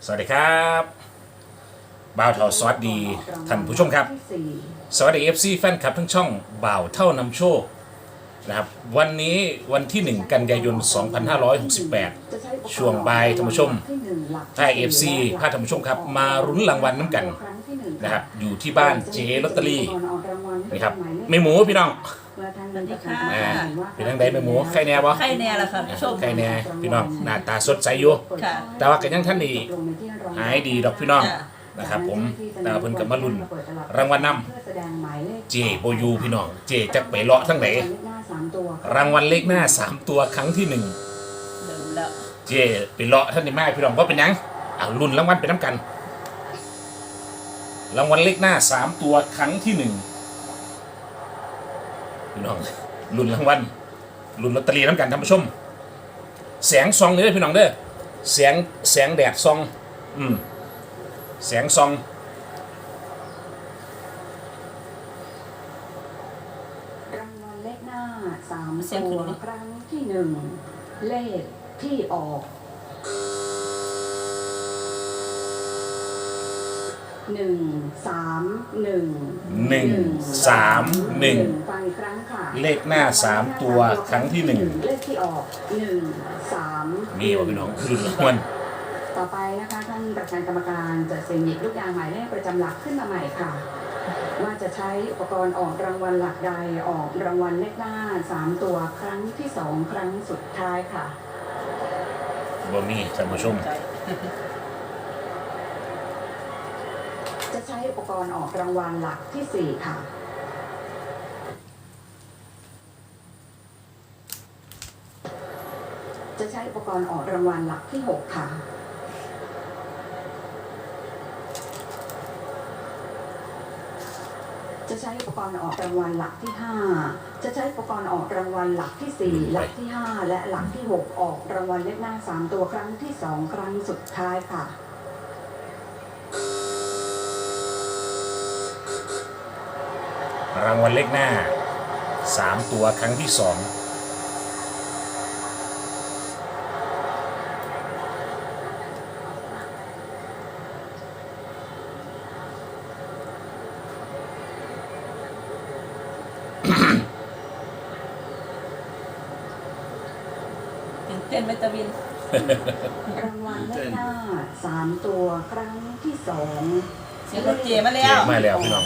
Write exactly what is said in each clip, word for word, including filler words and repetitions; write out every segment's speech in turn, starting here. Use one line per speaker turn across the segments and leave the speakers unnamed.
สวัสดีครับบ่าวเท่าสวัสดีท่านผู้ชมครับสวัสดี เอฟ ซี แฟนคลับทั้งช่องบ่าวเท่านำโชคนะครับวันนี้วันที่หนึ่งกันยายนสองพันห้าร้อยหกสิบแปดช่วงบ่ายท่านผู้ชมถ้า เอฟ ซี พาท่านผู้ชมครับมารุ้นรางวัลน้ำกันนะครับอยู่ที่บ้านเจลอตเตอรี่นะครับไม่หมูพี่น้องอ่าเป็นทั้งใดไม่หมูใครแน่บ่
ไข่แน่ละครับชม
ใครแน่พี่น้องหน้าตาสดใสอยู่
ค่ะ
แต่ว่าก็ยังท่านนี่หายดีดอกพี่น้องนะครับผมแต่ว่าเพิ่นกับมาลุ้นรางวัลนำเจโบยูพี่น้องเจจะไปเลาะทั้งไหนรางวัลเลขหน้าสามตัวครั้งที่หนึ่ง
เดิมแล้ว
เจไปเลาะท่านนี่มาพี่น้องว่าเป็นยังเอาลุ้นรางวัลไปน้ำกันรางวัลเลขหน้าสามตัวครั้งที่หนึ่งพี่น้องลุ้นรางวัลลุ้นลอตเตอรี่น้ำกันท่านผู้ชมแสงซองเลยเด้อพี่น้องเด้อแสงแสงแดดซองอืมแสงซอง
รางวัลเลขหน้าสามตัวครั้งที่หนึ่งเลขที่ออกหนึ่งสามหนึ่ง
หนึ่งสามหนึ่ง
ฟังอีกครั้งค่ะ
เลขหน้าสามตัวครั้งที่หนึ่ง
เลขที่ออกหนึ่งสาม
มีวะพี่น้องลุ้นรางวัล
ต่อไปนะคะท่านประธานกรรมการจะเสี่ยงหยิบลูกยางหมายเลขประจำหลักขึ้นมาใหม่ค่ะว่าจะใช้อุปกรณ์ออกรางวัลหลักใดออกรางวัลเลขหน้าสามตัวครั้งที่สองครั้งสุดท้ายค่ะ
บ่มีท่านผู้ชม
ใจ
จะใช้อุปกรณ์ออกรางวัลหลักที่สี่ค่ะจะใช้อุปกรณ์ออกรางวัลหลักที่หกค่ะจะใช้อุปกรณ์ออกรางวัลหลักที่ห้าจะใช้อุปกรณ์ออกรางวัลหลักที่สี่หลักที่ห้าและหลักที่หกออกรางวัลเลขหน้าสามตัวครั้งที่สองครั้งสุดท้ายค่ะ
รางวัลเลขหน้าสามตัวครั้งที่สอง
ตื่นเต้นไหมตะวิน
รางวัลเลขหน้าสามตัวครั้งที่สอง
เสียงรถเจมา
เจ
แล้ว
มาแล้วพี่น้อง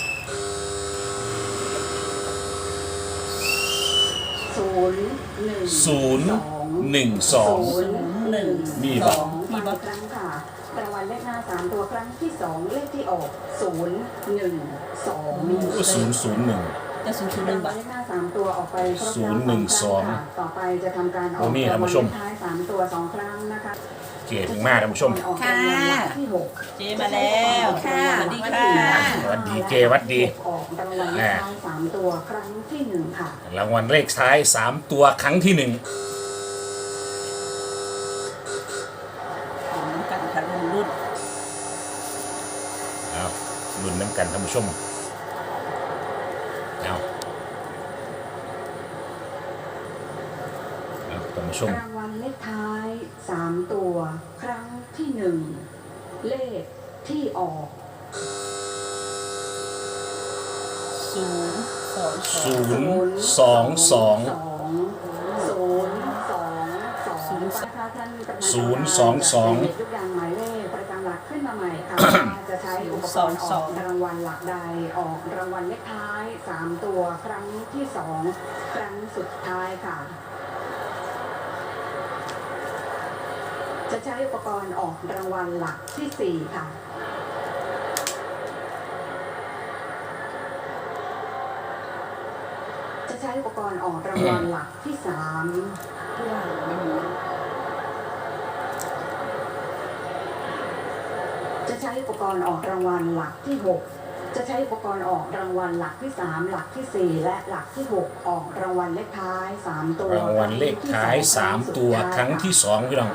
ศูนย์หนึ่ง
ศูนย์หนึ่งสอง
ศูนย์หนึ่ง
มี
ส
บ่
องมีบครั้งค่ะรางวัลเลขหน้าสามตัวครั้งที่สองเลขที่ออกศูนย์หนึ่งสองมี
ศูนย์ศูนย์หนึ่ง
จะศูนย์ศูนย์ห
รา
นึ่
ง
ง
วัล
บาท
เลขหน้าสามตัวออกไปครบแล้ว
ศูนย์หนึ่งสอง
ครั้ค่ะต่อไปจะทำการออก
โอ้มีท่านผู้ชม
รางวัลเลขท้ายสามตัวสองครั้งนะคะ
เจถึงมาท่านผู้ชม
ออกรางวัลหลักที่หก
เจมาแล้วค่ะสวัสดีค่ะ
สวัสดีเจวัดดี
ออกรางวัลเลขท้ายสามตัวครั้งที่หนึ่งค่ะ
รางวัลเลขท้ายสามตัวครั้งที่หนึ่ง
ของน้ำกันค่ะรุ่นรุ่น
เอาลุ้นน้ำกันท่านผู้ชมเอาเอาท่านผู้ชม
รางวัลเลขท้ายสามตัวครั้งที่หนึ่งเลขที่ออก
ศูนย์สองสอง
ศูนย์สองสอง
ศูนย์สองสองนะคะท่านประธาน
ศูนย์สองสอง
เด็กทุกอย่างหมายเลขประจำหลักขึ้นมาใหม่ค่ะ ว่าจะใช้อุปกรณ์ออกรางวัลหลักใดออกรางวัลเลขท้ายสามตัวครั้งที่สองครั้งสุดท้ายค่ะ จะใช้อุปกรณ์ออกรางวัลหลักที่สี่ค่ะ จะใช้อุปกรณ์ออกรางวัลหลักที่สามจะใช้อุปกรณ์ออกรางวัลหลักที่หกจะใช้อุปกรณ์ออกรางวัลหลักที่สามหลักที่สี่และหลักที่หกออกรางวัลเลขท้ายสามตัว
รางวัลเลขท้ายสามตัวครั้งที่สองพี่น้อง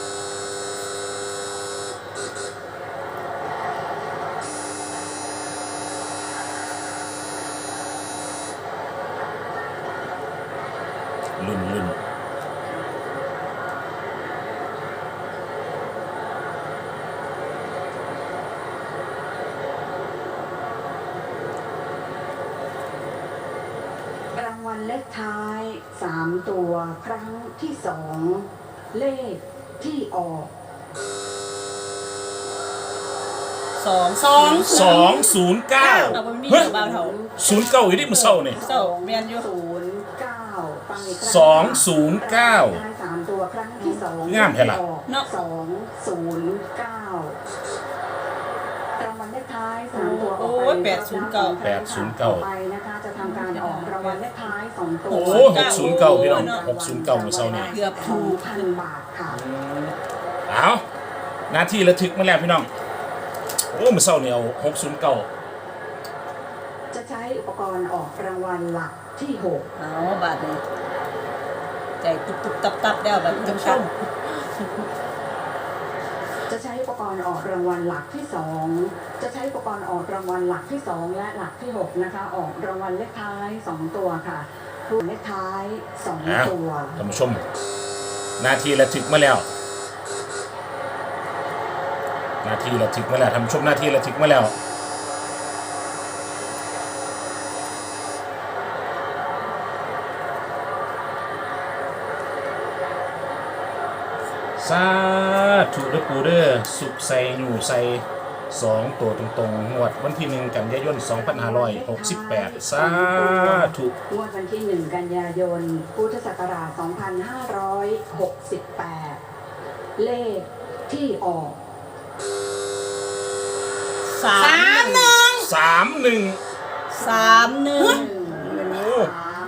รุ่นรุ่น
รขท้ายสามตัวครั้งที่สองเลขที่ออก
สองสอง
สองศูนย์เก้า
เราไม่มี
เฮ้ย
เบาเท่า
ศูนย์เก้าอยู่ที่มือเศร้าเนี่ย
เศร้าแม่นอยู่
ศูนย์เก้าฟังอีกครั้ง
สองศูนย์เก้า
ท้ายสามตัวครั้งที่สอง
งามแท้ล่ะ
เนาะ
สองศูนย์เก้ารางวัลเลขท้ายสามตัวออก
โอ้
ไป
ยแปดศูนย์เก้า
แปดศูนย์เก้า
ต่อไปนะคะจะทำการออกรางวัลเลขท้ายสองตัว
โอ้หกศูนย์เก้าพี่น้องหกศูนย์เก้ามือเศร้าเนี่ย
เกือบ
สอ
ถู
ง
ก
พันบาทค่ะ
เอาหน้าที่ระทึกมาแล้วพี่น้องโอ้มือเศร้าเนี่ยเอาหกศูนย์เก้า
จะใช้อุปกรณ์ออกรางวัลหลักที่หก
เอาบาทนี้ใจตุบตุบตับตับแล้วแบบท่านผู้ชม
จะใช้อุปกรณ์ออกรางวัลหลักที่สองจะใช้อุปกรณ์ออกรางวัลหลักที่สองและหลักที่หกนะคะออกรางวัลเลขท้ายสองตัวค่ะรวมเลขท้ายสอง
อ่ะ
ตัว
ท่านผู้ชมหน้าที่ระทึกมาแล้วหน้าที่ระทึกมาแล้วท่านผู้ชมหน้าที่ระทึกมาแล้วสาธุเด้อปูเด้อสุขใส่อยู่ใส่สองตัวตรงๆงวดวันที่หนึ่งกันยายนสองพันห้าร้อยหกสิบแปดสาธุ
งวดวันที่หนึ่งกันยายนพุทธศักราชสองพันห้าร้อยหกสิบแปดเลขที่ออก
สามหนึ่ง
สามหนึ่ง
สามหนึ่ง
โอ้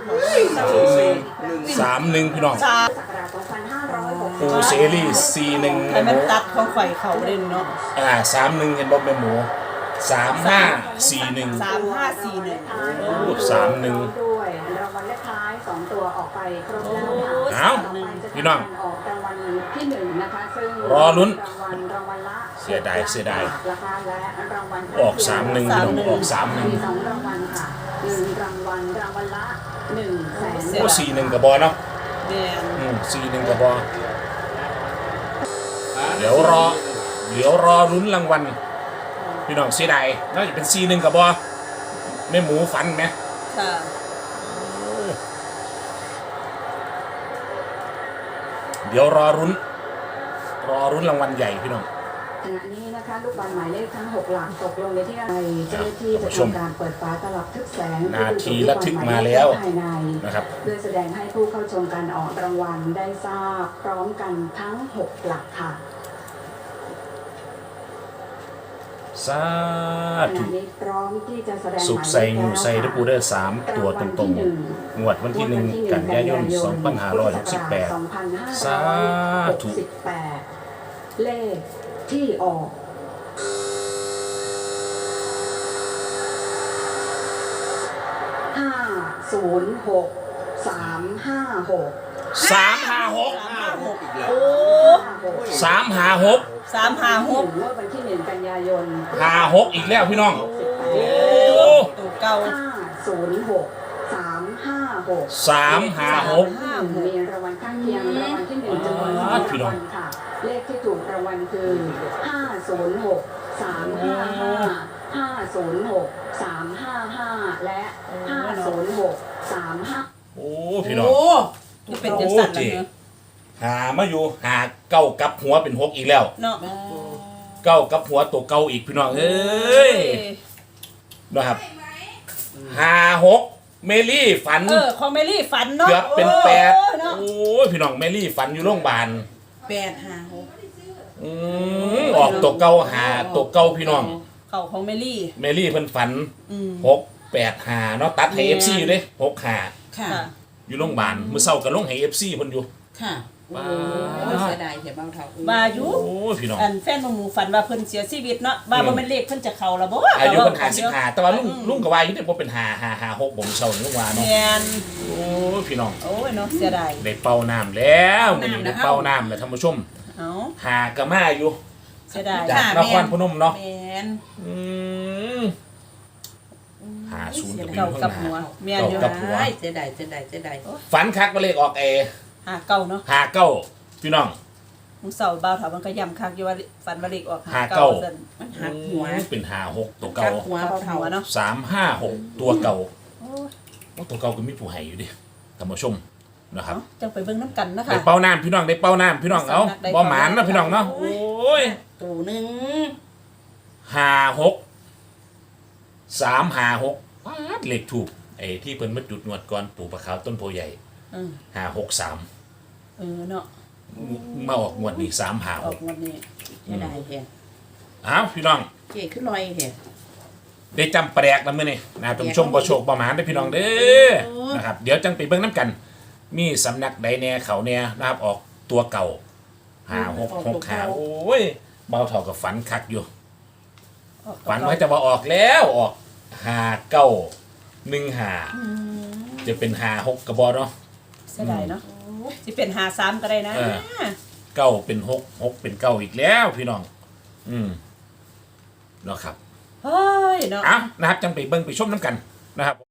สามหนึ่งพี่น้อง
สาม
พุทธศักราชสองพันห้าร้อยหกสิบ
ปูเซรีสี่หนึ่ง
ให้มันตัดของข่อยเขาเด่นเนาะ
อ่าสามหนึ่งเห็นบอกเป็นหมูสามห้าสี่หนึ่ง
สามห้าสี่หนึ่ง
โอ้สามหนึ่ง
ด้วยรางวัลเลขท้ายสองตัวออกไปครบแล้วค่ะ
เอ้า
ต่ไปจะ
พี่น้อง
ออกรางวัลที่หนึ่งนะคะซึ่ง
รอลุ้น
รางวัลรางวัลละ
เสียดายเสียดาย
นะคะและรางวัล
ออกสามหนึ่งพี่น้องออกสามหนึ่ง
มีสองรางวัลค่ะหนึ่งรางวัลรางวัลละหนึ่งแสน
โอ้สี่หนึ่งกับบอเนาะ
แม่น
อืมสี่หนึ่งกับบอเดี๋ยวรอ เดี๋ยวรอลุ้นรางวัลพี่น้องเสียดายน่าจะเป็นสี่หนึ่งกับบอแม่หมูฟันไหม
ค่ะ
เดี๋ยวรอรุ้น รอรุ้นรางวัลใหญ่พี่น้อง
ขณะนี้นะคะลูกบอลหมายเลขทั้งหกหลักตกลงในที่ใดเจ้าหน้าที่จะทำการเปิดฝาตลับทึบแสง
นาทีระทึกมาแล้ว
ภายใน
นะครับ
เพื่อแสดงให้ผู้เข้าชมการออกรางวัลได้ทราบพร้อมกันทั้งหกหลักค่ะ
สา
ข
ธุ
ณะนี้พร้อมที่จะแสดง
สุขใส่งูใส่ทุกปูเดอร์สามตัวตรงๆงวดวันที่หนึ่งกันยายนสองพันห้าร้อยหกสิบแปด สาธุ
เลขที่ออก ห้าศูนย์หกสามห้าหก
สามห้าหก
สามห้าหกโอ้
สามห้าหก
สามห้าหก
เมื่อวันที่หนึ่งกันยายน
ห้าหกอีกแล้วพี่น้อง
โอ้ตัวเก่า
ห้าศูนย์หกสามห้าหก
สามห้าหก
มีรางวัลข้างเคียงรางวัลที่หนึ่งจำนวนสอง
อ่า
รา
พี่
ง
น้อ
วั
ง
ลค่ะ เลขที่ถูกรางวัลคือห้าศูนย์หกสามห้าห้าห้าศูนย์หกสามห้าห้าและห้าศูนย์หกสามห้า
โอ้พี่น้อง
โอ้จะเป็นจังสันแล้วเนอะ
หามาอยู่หาเก้ากับหัวเป็นหกอีกแล้ว
เนาะ
เก้ากับหัวตัวเก้าอีกพี่น้องเอ้ยนะครับหาหกเมลี่ฝัน
เออของเมลี่ฝันเนาะ
เกือบเป็นแปด
โอ้เนาะ
โอ้ยพี่น้องเมลี่ฝันอยู่โรงพยาบาล
แปดห้าหก
อืมออกตัวเก้าหาตัวเก้าพี่น้อง
เขาของเมลี่
เมลี่เพิ่นฝัน
อืม
หกแปดหาเนาะตัดให้
แม่
เอน ฟซีอยู่เด้หกหา
ค่ะ
ค่ะ
อยู่โรงพยาบาลมื้อเช้าก็ลงให้เอฟซีเพิ่นอยู่
ค่ะ
ว้า
โอ้ยเสียดายเสียเบาเท่า
มาอยู่
โอ้ยพี่น้อง
อันแฟนของหมูฝันว่าเพิ่นเสียชีวิตเนาะว่าบ่แม่นเลขเพิ่นจะเข้าแล้วบ่
อายุเพิ่นหาสิบ
เดียว
หาแต่ว่าลุงลุงก็ว่าอยู่เด้บ่เป็นหาหาหาหกบ่มื้อเช้านี่ลุงว่าเนาะ
แม่น
โอ้ยพี่น้อง
โอ้ยเนาะเสียดาย
ได้เป่าน้ำแล้วมื้อนี้ได้เป่าน้ำแล้วท่านผู้ชม
เอ้า
หากะมาอยู่
เสียดาย
จากนครพนมเนาะ
แมน
อืมหาศูนย์ก็ไปอ
เก่า
ยู่
กั
ข้า
บ
งห
หัว
น้า
แม่นอยู่
เก่ากับหัว
เสียดายเสียดายเสียดาย
ฝันคักว่าเลขออกเอ
หาเก่าเนาะ
หาเก้าพี่น้อง
มึงเสาบ่าวเถามันก็ย้ำคักอยู่ว่าฝันว่าเลขออกหา
หา
เก่า
เก้า
ซั่น
มันหักหัว
เป็นหาหกตัว
กั
เก่า
กหัวเบาเท่า
หัวเนาะ
สามห้าหกตัวเก่า
โอ้ย
โอ้ตัวเก่าก็มีผู้ให้อยู่ดิท่านผู้ชมนะครับ
เอ้าจังไปเบิ่งน้ำกันนะคะ
ได้เป้าน้ำพี่น้องได้เป้าน้ำพี่น้องเอา
ได้
บ่
เป้า
หมานนะ
น้ำ
พี่น้องเนาะ
โอ้
โอ้ย
ตัวหนึ่ง
ห้าหกสามห้าหกป๊าดเลขถูกไอ้ที่เพิ่นมาจุดงวดก่อนปู่ปะขาวต้นโพใหญ่
อืม
ห้าหกสาม
เออเนาะ
มาออกงวดนี้สามห้า
อ
ห
อก
ก
งวดนี้
เสียดายแท้
อ้าวพี่น้อง
เจ๊ขึ้นลอยแท้
ได้จำแปลกแล้วมื้อนี้นะท่านผู้ชมบ่โชคบ่หมานได้อพี่น้องเด้อนะครับเดี๋ยวจังไปเบิ่งน้ำกัน มีสำนักใดแน่เขาแน่นะครับออกตัวเก่าห้าหกหกห้าโอ้ยเบาเท่ากับฝันคักอยู่
ออก
ฝันไว้จะว่าออกแล้วออกห้าเก้าหนึ่งห้าจะเป็นห้าหกกระบอกเนาะ
เสียดายเนาะสิเป็นหาสามก็ได้นะ
เออ เก้าเป็นหกหกเป็นเก้าอีกแล้วพี่น้อง อืมเนาะครับ
เฮ้ยเนาะ
เอ้านะครับจังไปเบิ่งไปชมน้ำกันนะครับ